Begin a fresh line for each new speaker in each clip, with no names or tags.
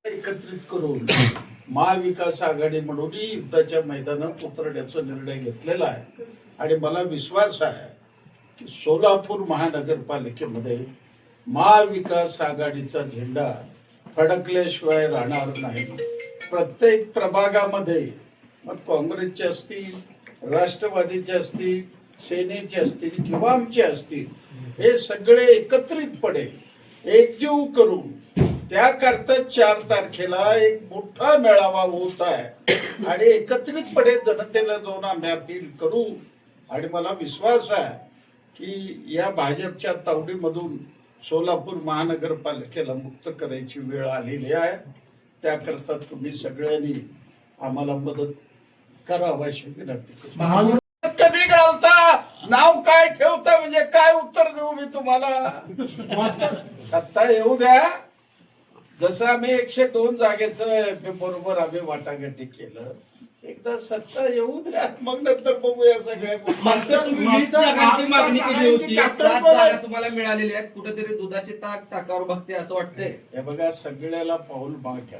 एकत्रित करून महाविकास आघाडी म्हणून युद्धाच्या मैदानात उतरण्याचा निर्णय घेतलेला आहे आणि मला विश्वास आहे की सोलापूर महानगरपालिकेमध्ये महाविकास आघाडीचा झेंडा फडकल्याशिवाय राहणार नाही। प्रत्येक प्रभागामध्ये मग काँग्रेसचे असतील, राष्ट्रवादीचे असतील, सेनेचे असतील किंवा आमचे असतील, हे सगळे एकत्रितपणे एकजीव करून त्याकरता 4 तारखेला एक मोठा मेळावा होत आहे आणि एकत्रितपणे जनतेला जाऊन आम्ही अपील करू आणि मला विश्वास आहे की या भाजपच्या तावडीमधून सोलापूर महानगरपालिकेला मुक्त करायची वेळ आलेली आहे। त्याकरता तुम्ही सगळ्यांनी आम्हाला मदत करावी अशी विनंती करतो। कधी घालता, नाव काय ठेवता, म्हणजे काय उत्तर देऊ मी तुम्हाला? सत्ता येऊ द्या। जसं आम्ही 102 जागेचं बरोबर आम्ही वाटाघाटी केलं, एकदा सत्ता येऊ द्या, मग नंतर बघूया सगळ्या
मागणी केली होती। 7 जागा तुम्हाला मिळालेल्या आहेत, कुठेतरी दुधाचे ताकावर बघते असं वाटतंय।
हे बघा, सगळ्याला पाऊल माग घ्या।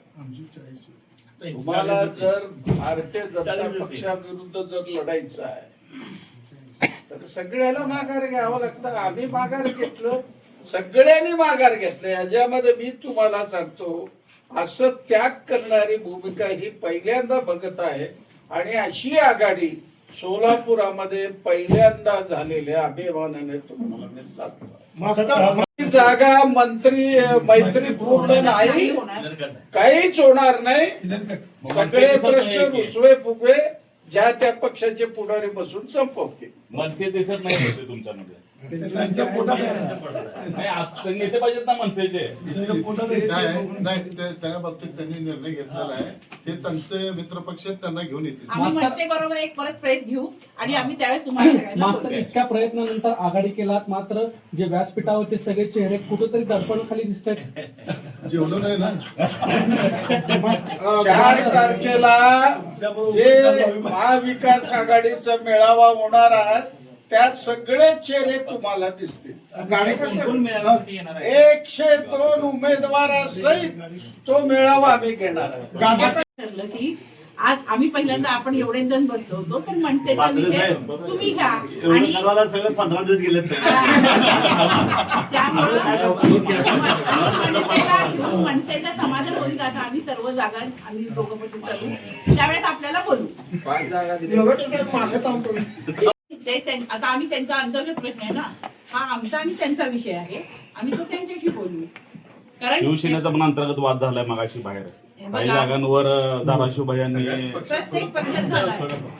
तुम्हाला जर भारतीय जनता पक्षाविरुद्ध जर लढायचं आहे तर सगळ्याला माघार घ्यावं लागतं। आम्ही माघार घेतलं, सगळ्यांनी माघार घेतलं। याच्यामध्ये मी तुम्हाला सांगतो, असं त्याग करणारी भूमिका ही पहिल्यांदा बघत आहे आणि अशी आघाडी सोलापुरामध्ये पहिल्यांदा झालेल्या अभिमानाने तुम्हाला मी सांगतो। जागा मंत्री मैत्रीपूर्ण नाही, काहीच होणार नाही। सगळे प्रश्न रुसवे फुगवे ज्या त्या पक्षाचे पुढारी बसून संपवतील।
मनसे दिसत नाही होते तुमच्यामध्ये, नेते पाहिजेत ना मनसेचे।
नाही, त्या बाबतीत त्यांनी निर्णय घेतलेला आहे, ते त्यांचे मित्रपक्ष त्यांना घेऊन येतील।
आम्ही मनसे बरोबर एक परत प्रेस घेऊ आणि आम्ही त्यावेळेस तुम्हाला
मास्तर इतक्या प्रयत्नानंतर आघाडी केलात, मात्र जे व्यासपीठावरचे सगळे चेहरे कुठेतरी दर्पणाखाली दिसत आहेत।
जेवढं नाही ना
4 तारखेला जे महाविकास आघाडीचा मेळावा होणार आहे त्यात सगळे चेहरे तुम्हाला दिसतील। 102 उमेदवारासहित तो मेळावा आम्ही घेणार
ठरलं की आज आम्ही पहिल्यांदा आपण एवढे जण बसलो होतो, तर मनसेचा विषय तुम्ही घ्या आणि
सगळं 15 दिवस गेले।
मनसेचा समाधान होईल का? आम्ही सर्व जागा आम्ही दोघं बसून करू, त्यावेळेस आपल्याला बोलू। आता आम्ही त्यांचा अंतर्गत प्रश्न आहे ना, हा आमचा आणि त्यांचा विषय आहे, आम्ही तो त्यांच्याशी बोलू। कारण
शिवसेनेचा पण अंतर्गत वाद झालाय मगाशी बाहेर, काही जागांवर धाराशिव भैयांनी
प्रत्येक पक्षात झालाय।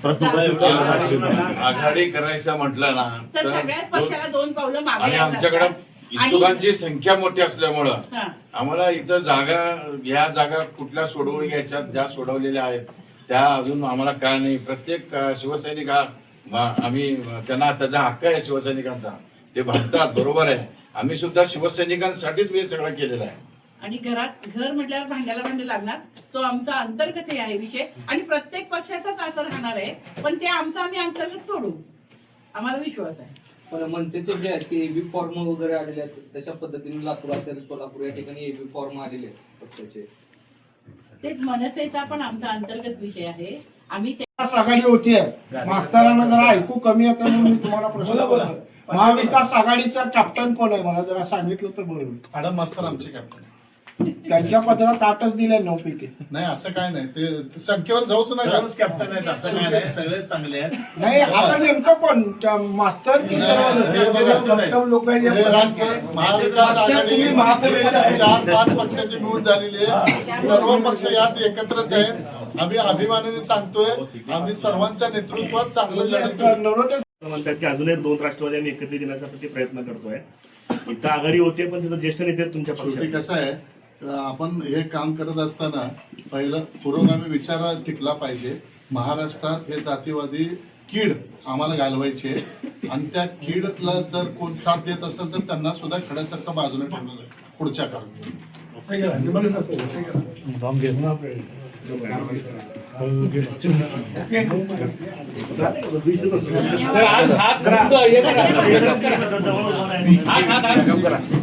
आघाडी करायचं म्हटलं ना
तर सगळ्याच पक्षाला 2 पावलं मागे
आणि
यावं
आमच्याकडे
लागतं।
इच्छुकांची संख्या मोठी असल्यामुळं
हा.
आम्हाला इथं ह्या जागा कुठल्या सोडवून घ्यायच्या, ज्या सोडवलेल्या आहेत त्या अजून आम्हाला काय नाही। प्रत्येक शिवसैनिक आम्ही त्यांना त्याचा हक्क आहे शिवसैनिकांचा, ते म्हणतात बरोबर आहे। आम्ही सुद्धा शिवसैनिकांसाठीच मी सगळं केलेलं आहे
आणि घर म्हटल्यावर भांड्याला भांडे लागणार, तो आमचा अंतर्गत आहे विषय आणि प्रत्येक पक्षाचाच असं राहणार आहे, पण ते आमचं आम्ही अंतर्गत सोडू, आम्हाला विश्वास आहे।
पण मनसेचे जे आहेत की एबी फॉर्म वगैरे आलेले आहेत, तशा पद्धतीने लातूर असेल, सोलापूर या ठिकाणी एबी फॉर्म आलेले आहेत पक्षाचे, ते
मनसेचा पण आमचा अंतर्गत विषय आहे। आम्ही
आघाडी होतीये, मास्तरांना जरा ऐकू कमी येतं म्हणून मी तुम्हाला प्रश्न बोला। महाविकास आघाडीचा कॅप्टन कोण आहे, मला जरा सांगितलं तर बरोबर।
मॅडम मास्तर आमचे कॅप्टन,
त्यांच्या पदरात 8च दिले 9 पैकी।
नाही असं काय नाही, ते संख्येवर जाऊच नका।
कॅप्टन आहेत असं काय नाही, सगळे चांगले आहेत।
नाही, आता नेमकं कोण मास्तर की सर्व लोक?
महाविकास आघाडी 4-5 पक्षाची मिळून झालेली आहे, सर्व पक्ष यात एकत्रच आहेत। आम्ही अभिमानाने सांगतोय, आम्ही सर्वांच्या नेतृत्वात चांगलं लढतो।
म्हणतात की अजूनही 2 राष्ट्रवादी एकत्रित येण्यासाठी प्रयत्न करतोय। इथं आघाडी होते, पण तिथं ज्येष्ठ नेते तुमच्या
शेवटी कसं आहे, आपण हे काम करत असताना पहिलं पुरोगामी विचार टिकला पाहिजे। महाराष्ट्रात हे जातीवादी कीड आम्हाला घालवायची आहे आणि त्या कीडला जर कोण साथ देत असेल तर त्यांना सुद्धा खड्यासारखं बाजूला ठेवलं जाईल पुढच्या काळात।
आज हात